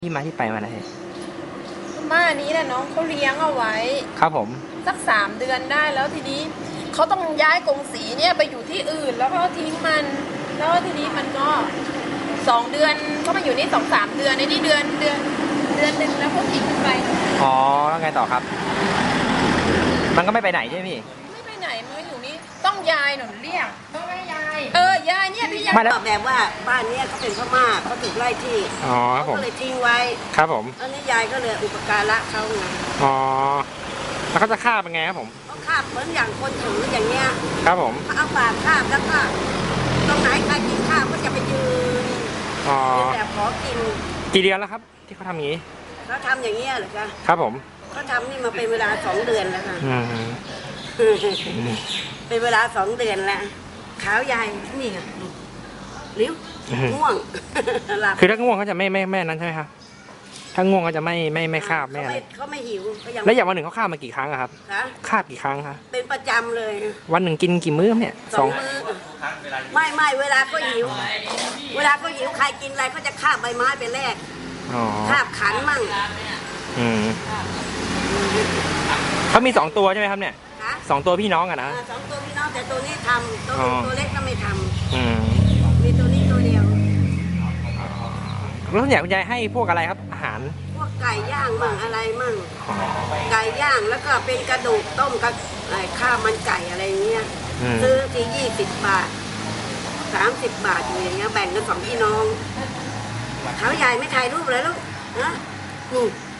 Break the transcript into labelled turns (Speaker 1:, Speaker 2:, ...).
Speaker 1: ที่มาที่ไปมาไหน
Speaker 2: ม่านี้แหละน้องเขาเลี้ยงเอาไว้
Speaker 1: ครับผม
Speaker 2: สัก3 เดือนได้แล้วทีนี้เขาต้องย้ายกรงสีเนี่ยไปอยู่ที่อื่นแล้วก็ทิ้งมันแล้วทีนี้มันก็2 เดือนก็มาอยู่นี่2-3 เดือนในนี่เดือนหนึ่งแล้วก็ทิ้งไป
Speaker 1: อ๋อแล้วไงต่อครับมันก็ไม่ไปไหนใช่ไหมพี่
Speaker 2: ไม่ไปไหนมันก็อยู่นี่ต้องยายหนูเรียกต้องให้ยายยายเนี่ยพี่ยาย
Speaker 3: แบบว่าบ้านนี้เขาเป็นพม่าเขาถูกไล่ที่
Speaker 1: อ๋อครับผม
Speaker 3: ก็เลยทิ้งไว้
Speaker 1: ครับผม
Speaker 3: แล้วนี่ยายก็เลยอุปการะเขาไง
Speaker 1: อ๋อแล้วเขาจะฆ่าเป็นไงครับผม
Speaker 3: เขาคาบเหมือนอย่างคนถืออย่างเงี้ย
Speaker 1: ครับผม
Speaker 3: เขาเอาปากคาบแล้วก็ตรงไหนใครกินข้าวก็จะไปยืนแบบขอกิน
Speaker 1: กี่เดือนแล้วครับที่เขาทำอย่างนี้
Speaker 3: เขาทำอย่างเงี้ยเหรอคะ
Speaker 1: ครับผม
Speaker 3: เขาทำนี่มาเป็นเวลา2 เดือนแล้วค่ะเป็นเวลา2 เดือนแล้วขาวยายนี่ค่ะลิ้วง่วง
Speaker 1: คือถ้าง่วงเขาจะไม่นั้นใช่ไหมครับถ้าง่วงเขาจะไม่คาบไม่อะไร
Speaker 3: เขาไม่หิว
Speaker 1: แล้วอย่างวันหนึ่งเขาคาบมากี่ครั้งครับคาบกี่ครั้งคะ
Speaker 3: เป็นประจำเลย
Speaker 1: วันหนึ่งกินกี่มื้อเนี่ย
Speaker 3: 2 มื้อไม่เวลาก็หิวใครกินอะไรก็จะคาบใบไม้ไปแลกคาบขันมั่ง
Speaker 1: เขามี2 ตัวใช่ไหมครับเนี่ย2 ตัวพี่น้องอะนะ
Speaker 3: 2 ตัวพี่น้องแต่ตัวนี้ทำตัวเล็กก็ไม่ทำมีตัวนี้ตัวเดียว
Speaker 1: แล้วเนี่ยคุณยายให้พวกอะไรครับอาหาร
Speaker 3: พวกไก่ย่างมั่งอะไรมั่งไก่ย่างแล้วก็เป็นกระดูกต้มกับข้าวมันไก่อะไรเงี้ยซื้อที่20 บาท30 บาทอย่างเงี้ยแบ่งกัน2 พี่น้องเขาใหญ่ไม่ถ่ายรูปเลยลูกนะ